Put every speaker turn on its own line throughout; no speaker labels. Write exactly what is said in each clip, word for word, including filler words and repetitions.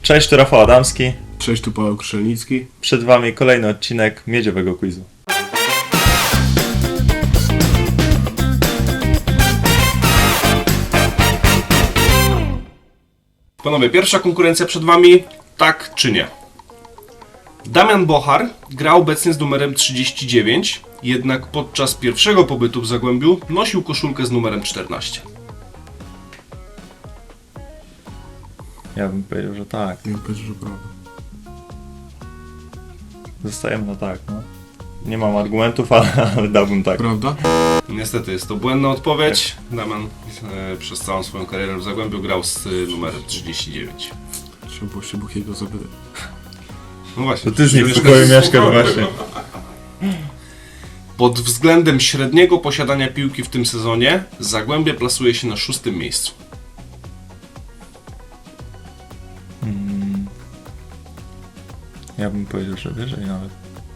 Cześć, tu Rafał Adamski.
Cześć, tu Paweł Krzelnicki.
Przed Wami kolejny odcinek Miedziowego Quizu.
Panowie, pierwsza konkurencja przed Wami, tak czy nie? Damian Bochar gra obecnie z numerem trzydzieści dziewięć, jednak podczas pierwszego pobytu w Zagłębiu nosił koszulkę z numerem czternaście.
Ja bym powiedział, że tak.
Ja bym powiedział, że prawda.
Zostajemy na tak, no. Nie mam argumentów, ale, ale dałbym tak.
Prawda? Niestety jest to błędna odpowiedź. Damian e, przez całą swoją karierę w Zagłębiu grał z e, numerem trzydzieści dziewięć.
Trzeba było się Bukiego zapytać.
No właśnie.
To ty z nim w pokoju mieszkasz właśnie.
Pod względem średniego posiadania piłki w tym sezonie Zagłębie plasuje się na szóstym miejscu.
Hmm. Ja bym powiedział, że wyżej nawet.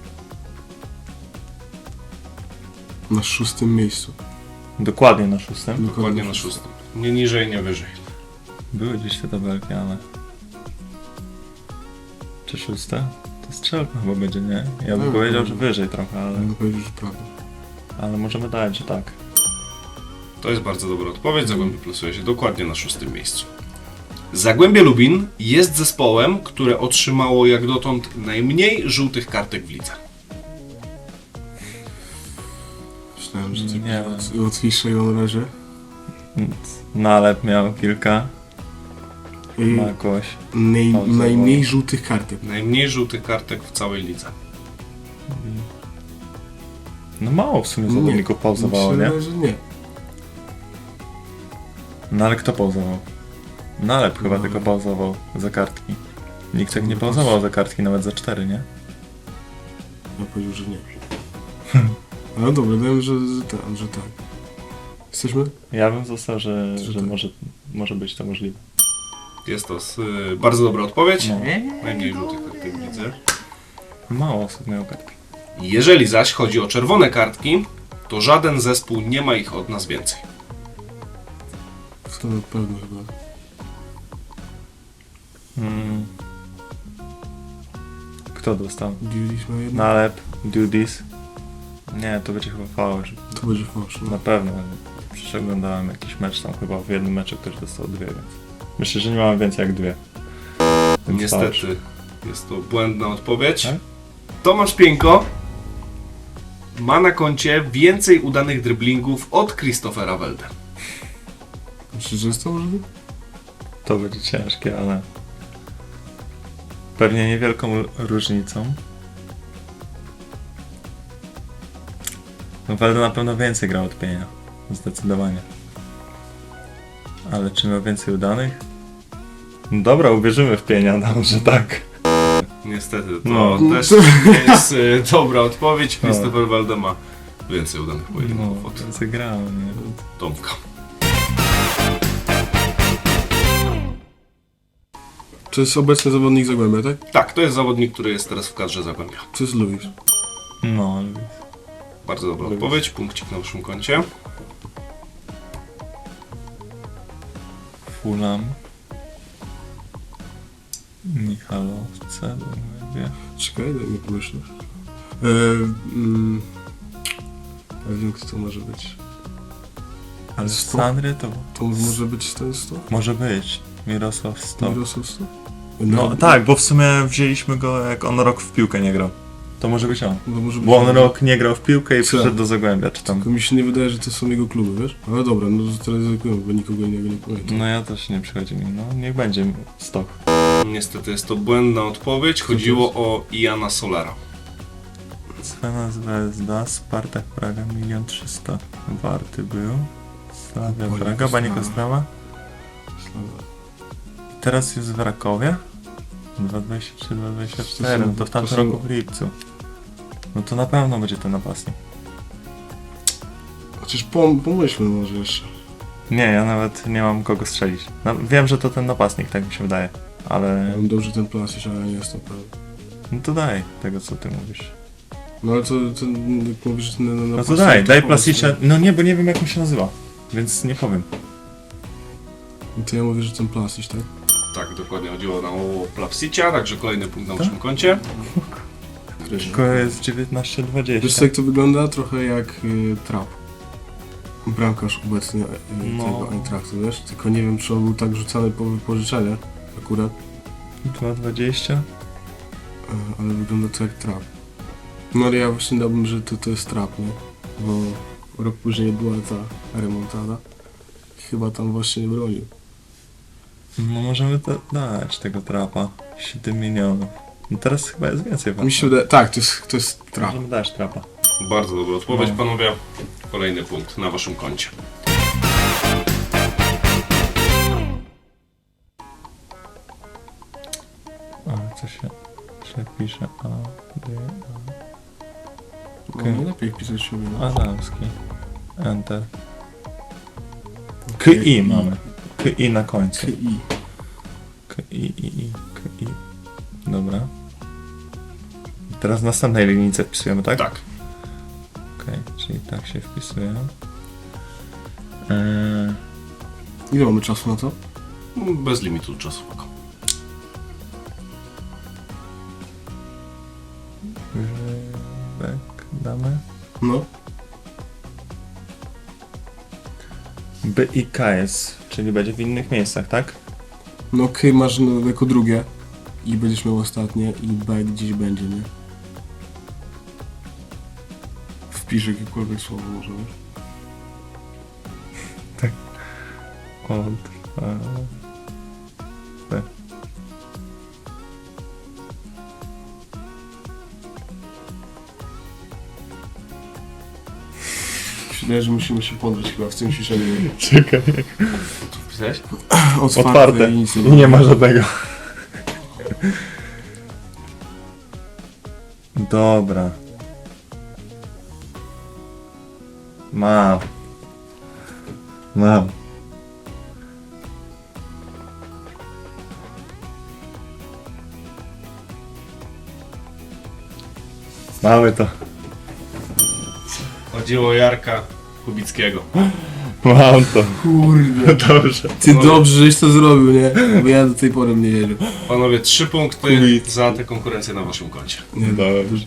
Na szóstym miejscu.
Dokładnie na szóstym.
Dokładnie na szóstym. Nie niżej, nie wyżej.
Były gdzieś te tabelki, ale... Czy szóste? To strzelka chyba będzie, nie? Ja bym
No,
powiedział,
no.
że wyżej trochę, ale...
Ja bym powiedział, że prawda.
Ale możemy dać, że tak.
To jest bardzo dobra odpowiedź. Zagłębie plasuje się dokładnie na szóstym miejscu. Zagłębie Lubin jest zespołem, które otrzymało jak dotąd najmniej żółtych kartek w lidze.
Myślałem, że
Nie
nie
wiem.
łatwiejszego na razie.
Nalep miał kilka.
I
Ma jakoś.
naj,
Pauza,
najmniej żółtych kartek.
Najmniej żółtych kartek w całej lidze.
No mało w sumie zawodników pauzowało, nie?
Myślę, że nie.
No ale kto pauzował? Nalep chyba
No.
tylko pauzował za kartki. Nikt tak nie
No
pauzował za kartki, nawet za cztery, nie?
Ja powiedział, że nie. Ale dobra, dałem, że, że, tak, że tak. Jesteśmy?
Ja bym został, że,
Że
że
tak.
może, może być to możliwe.
Jest to y, bardzo dobra odpowiedź.
No.
Najmniej żółtych kartek w lidze.
Mało osób miało kartki.
Jeżeli zaś chodzi o czerwone kartki, to żaden zespół nie ma ich od nas więcej.
To na pewno chyba.
Hmm. Kto dostał?
Dzieliśmy na jedno?
Nalep, Dudis. Nie, to będzie chyba fałsz.
To będzie fałsz.
Na
No.
pewno. Przecież oglądałem jakiś mecz tam chyba w jednym meczu ktoś dostał dwie, więc... Myślę, że nie mamy więcej jak dwie. Więc fałsz.
Niestety jest to błędna odpowiedź.
Tak?
Tomasz Pieńko ma na koncie więcej udanych driblingów od Christophera Welde.
Myślisz, że jest to możliwe?
To będzie ciężkie, ale... Pewnie niewielką l- różnicą. No Welde na pewno więcej grał od Pienia. Zdecydowanie. Ale czy miał więcej udanych? No dobra, uwierzymy w Pienia, no, że tak.
Niestety to
No.
też nie jest y, dobra odpowiedź.
No.
Christopher Welde ma więcej udanych
No,
pojedynków od
więcej grał, nie?
Tomka.
To jest obecny zawodnik Zagłębia, tak?
Tak, to jest zawodnik, który jest teraz w kadrze Zagłębia.
To jest Luis.
No,
Bardzo dobra
Lubię.
odpowiedź, punkcik na naszym koncie.
Fulham. Michalowce, mówię.
Czekaj, daj mi pomyśleć. E, mm, ja wiem, kto to może być.
Ale
Sto?
Sanry to
To może być ten sto?
może być. Mirosław Stok.
Mirosław sto?
No tak, bo w sumie wzięliśmy go jak on rok w piłkę nie grał. To może być on.
No, może być
Bo on rok nie grał w piłkę i
Co?
przyszedł do Zagłębia, czy tam.
Tylko mi się nie wydaje, że to są jego kluby, wiesz? Ale dobra, no to teraz ryzykujemy, bo nikogo innego nie pamiętam.
No ja też nie przychodzi mi, no niech będzie Stok.
Niestety jest to błędna odpowiedź. Chodziło o Iana Solara.
Svena Zvezda, Spartak Praga, milion trzysta warty był. Slavia
Banik
Praga, Banik
Ostrava.
Ostrawa.
Sława.
Teraz jest w Rakowie. dwa dwadzieścia trzy dwa dwadzieścia
To
cztery,
są-
no to w tamtym
to są-
roku w lipcu. No to na pewno będzie ten napastnik.
Chociaż pom pomyślmy może jeszcze.
Nie, ja nawet nie mam kogo strzelić. No, wiem, że to ten napastnik, tak mi się wydaje. Ale...
Ja mam dobrze ten plasić, ale nie jestem pewien.
No to daj tego, co ty mówisz.
No ale to, to jak mówisz, że na, na
No to daj, daj Plasicza. No nie, bo nie wiem jak on się nazywa. Więc nie powiem.
To ja mówię, że ten plasić, tak?
Tak, dokładnie chodziło nam o Plapsicia, także kolejny punkt na waszym koncie.
Tylko jest dziewiętnaście
Wiesz
dwadzieścia.
co, jak to wygląda? Trochę jak y, trap. Bramkarz obecnie y,
No.
tego Eintrachtu, wiesz? Tylko nie wiem, czy on był tak rzucany po wypożyczenie akurat,
dwa dwadzieścia.
y, ale wygląda to jak trap. No ale ja właśnie dałbym, że to, to jest trap, nie? Bo rok później była ta remontada. Chyba tam właśnie nie bronił.
No możemy to dać tego trapa. siedem milionów. No teraz chyba jest więcej.
Mi się wydaje, tak, to jest, to jest trap.
Możemy dać trapa.
Bardzo dobra odpowiedź,
No.
panowie. Kolejny punkt na waszym koncie.
A, co się źle pisze? A, D,
No,
Okej.
najlepiej pisać się
A.
no.
Adamski. Enter. K I mamy. K I na końcu.
K I.
K I, I, I, K I. Dobra. I teraz w następnej linijce wpisujemy, tak?
Tak.
Okej, czyli tak się wpisuje. Eee,
Ile mamy czasu na to?
Bez limitu czasowego.
Grzybek damy.
No.
B i K jest, czyli będzie w innych miejscach, tak?
No K masz no, jako drugie i będziesz miał ostatnie i B gdzieś będzie, nie? Wpisz jakiekolwiek słowo może, wiesz?
Od, e, B.
Wydaje, że musimy się podrzeć chyba w tym ciszeniu.
Czekaj.
Co wpisałeś?
Otwarte,
Otwarte.
i nic
I nie ma żadnego. Dobra. Mam. Mam. Mamy to.
Chodziło o Jarka Kubickiego.
Mam to.
Kurde.
Dobrze.
Ty dobrze, żeś to zrobił, nie? Bo ja do tej pory nie wierzył.
Panowie, trzy punkty
Kubic.
za tę konkurencję na waszym koncie.
Nie,
Dobrze.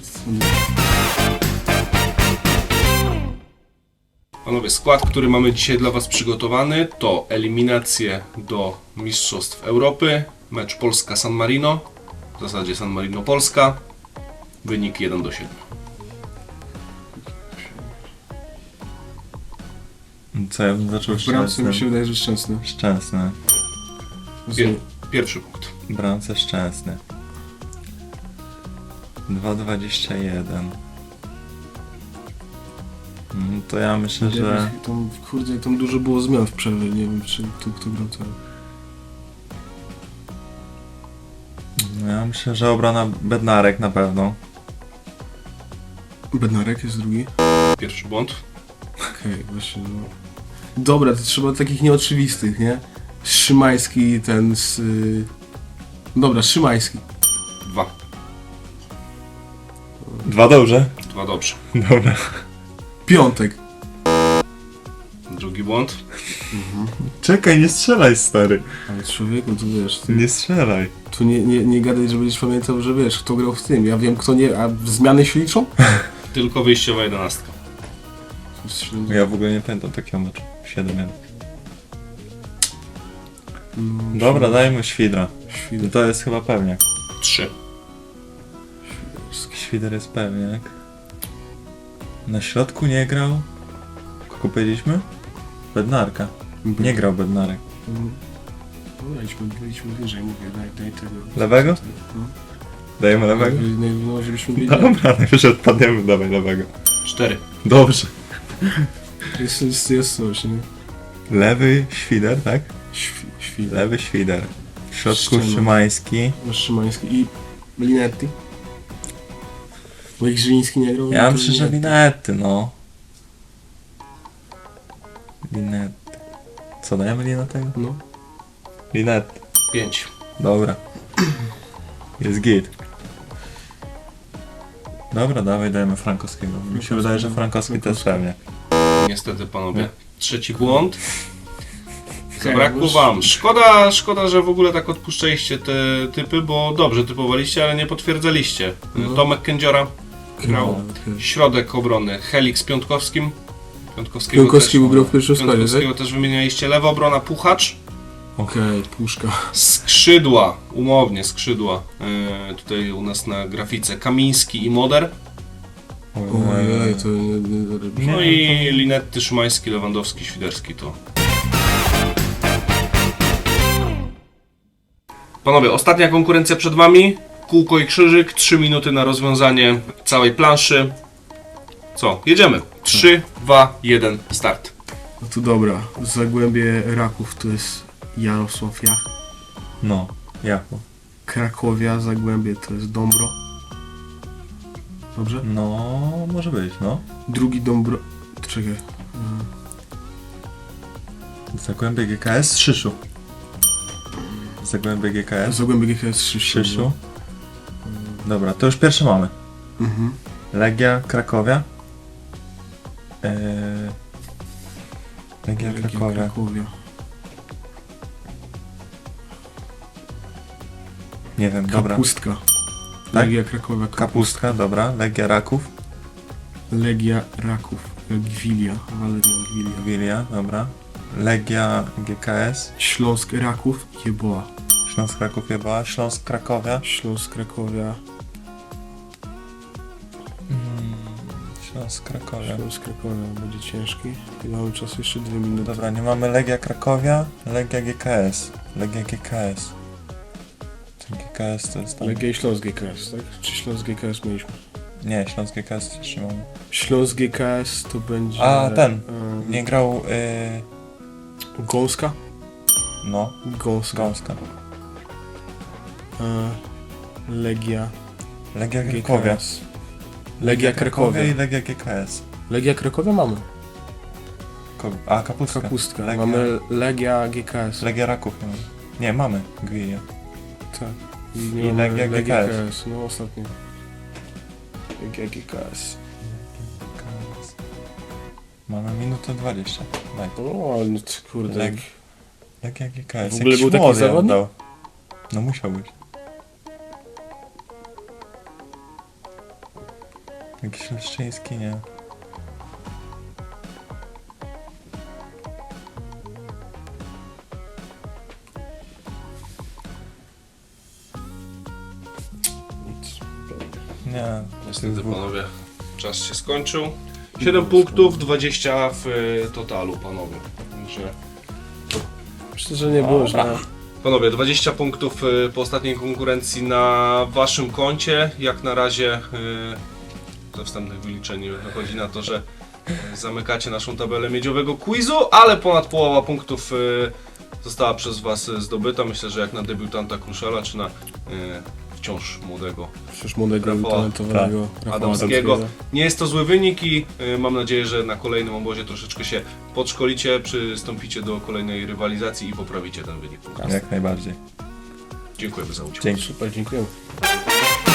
Panowie, skład, który mamy dzisiaj dla was przygotowany, to eliminacje do Mistrzostw Europy, mecz Polska-San Marino, w zasadzie San Marino-Polska, wynik jeden do siedmiu.
Co ja bym zaczął
W bramce mi się
szczęsny?
wydaje, że szczęsny.
Szczęsny.
Pier pierwszy punkt.
Bramce szczęsny. dwa dwadzieścia jeden. Mm, To ja myślę, że...
Tam, kurde, jak tam dużo było zmian w przerwie, nie wiem, czy kto, kto grał teraz.
Ja myślę, że obrona Bednarek na pewno.
Bednarek jest drugi.
Pierwszy błąd.
Okej, właśnie, no. Dobra, to trzeba takich nieoczywistych, nie? Szymański, ten z... Y... Dobra, Szymański.
Dwa.
Dwa dobrze.
Dwa dobrze.
Dobra.
Piątek.
Drugi błąd.
Czekaj, nie strzelaj, stary.
Ale człowieku, tu wiesz, ty,
Nie strzelaj.
tu nie, nie, nie gadaj, że będziesz pamiętał, że wiesz, kto grał w tym. Ja wiem, kto nie... A zmiany się liczą?
Tylko wyjściowa jedenastka.
Ja w ogóle nie pamiętam takiego meczu. siedem jeden.
No,
Dobra, dajmy Świdra.
Świder.
To jest chyba pewniak.
Trzy.
Świder jest pewniak. Na środku nie grał. Kogo powiedzieliśmy? Bednarka. Nie grał Bednarek.
Dobra, idźmy, idźmy wyżej, mówię, daj, daj tego.
Lewego?
No.
Dajemy lewego?
No, no, żebyśmy wiedzieli.
Dobra, najwyżej odpadniemy, dawaj lewego.
Cztery.
Dobrze.
Jest, jest, jest coś, nie?
Lewy Świder, tak?
Świ, świder.
Lewy Świder. W środku
Ściema.
Szymański.
Szymański i Linetti. Bo jak Żyliński nie grał,
Ja
to
myślę, że
Linetti.
Linety, no. Linety. Co, dajemy Linetego?
No.
Linet.
Pięć.
Dobra. Jest git. Dobra, dawaj, dajemy Frankowskiego. Mi się wydaje, że Frankowski to jest pewnie.
Niestety, panowie. Trzeci błąd. Zabrakło wam. Szkoda, szkoda, że w ogóle tak odpuszczaliście te typy, bo dobrze typowaliście, ale nie potwierdzaliście.
No.
Tomek Kędziora grał
No, okej.
środek obrony, Helik z Piątkowskim. Piątkowskiego,
Piątkowski
też,
był grał w pierwszym składzie,
Piątkowskiego
tak?
też wymienialiście. Lewa obrona Puchacz.
Okej, puszka.
Skrzydła, umownie skrzydła. Yy, tutaj u nas na grafice Kamiński i Moder.
Ojej, to nie, nie zarobi.
No
Nie,
i
to-
Linetty, Szymański, Lewandowski, Świderski to. Panowie, ostatnia konkurencja przed wami. Kółko i krzyżyk, trzy minuty na rozwiązanie całej planszy. Co? Jedziemy. trzy, dwa, jeden, start.
No to dobra, Zagłębie Raków to jest Jarosław Jach.
No, jako.
Krakowia, Zagłębie to jest Dąbro. Dobrze?
No, może być, no.
Drugi Dąbro... Czekaj.
Zagłębie G K S, Szyszu. Zagłębie G K S,
Zagłębie G K S Szyszu.
Szyszu. Dobra, to już pierwsze mamy.
Mhm.
Legia Krakowia. Eee... Legia
Legia
Krakowia.
Krakowia.
Nie wiem, dobra.
Kapustka.
Tak?
Legia Krakowia. Kapustka.
Kapustka, dobra. Legia Raków.
Legia Raków. Gwilia. Waleria Gwilia.
Wilia, dobra. Legia G K S.
Śląsk Raków. Jeboa.
Śląsk Raków Jeba. Śląsk Krakowia.
Śląsk Krakowia.
Mm, Śląsk Krakowia.
Śląsk Krakowia będzie ciężki. I mamy czas jeszcze dwie minuty.
Dobra, nie mamy Legia Krakowia, Legia G K S. Legia G K S. Ten G K S to jest tam...
Legia i Śląsk G K S, tak? Czy Śląsk G K S mieliśmy?
Nie, Śląsk G K S też nie mamy.
Śląsk G K S to będzie...
A, ten.
em,
Nie grał... Yy...
Gąska?
No,
Gąska.
Gąska.
E, Legia
Legia
G K
Krakowia.
S. Legia Krakowia.
i Legia G K S.
Legia Krakowia mamy.
Ko- A, Kapustka.
Kapustka.
Legia,
Mamy Legia G K S.
Legia Raków nie mamy. Nie, mamy Gwilia.
Tak. I,
I
nie mamy
Legia G K S.
G K S. No ostatnio. Legia G K S.
G K S. Mamy minutę dwadzieścia. Daj.
O, ale no ty, kurde.
Leg-
jak-
Legia G K S.
W ogóle
Jakiś
był taki
młody
zawodnik?
oddał. No musiał być. Jakiś Leszczyński, nie.
Nic.
Nie.
Niestety panowie, czas się skończył. siedem punktów, dwadzieścia w y, totalu panowie. Także
Myślę, że nie było źle.
panowie, dwadzieścia punktów y, po ostatniej konkurencji na waszym koncie. Jak na razie y, ze wstępnych wyliczeń wychodzi na to, że y, zamykacie naszą tabelę miedziowego quizu, ale ponad połowa punktów y, została przez was y, zdobyta. Myślę, że jak na debiutanta Kruszela, czy na y, wciąż młodego
Przecież młodego i
Rafała,
talentowanego Rafała
Adamskiego.
Adamskiego.
Nie jest to zły wynik i y, mam nadzieję, że na kolejnym obozie troszeczkę się podszkolicie, przystąpicie do kolejnej rywalizacji i poprawicie ten wynik.
Jak najbardziej.
Dziękujemy za udział.
Dzięki.
Super, dziękuję.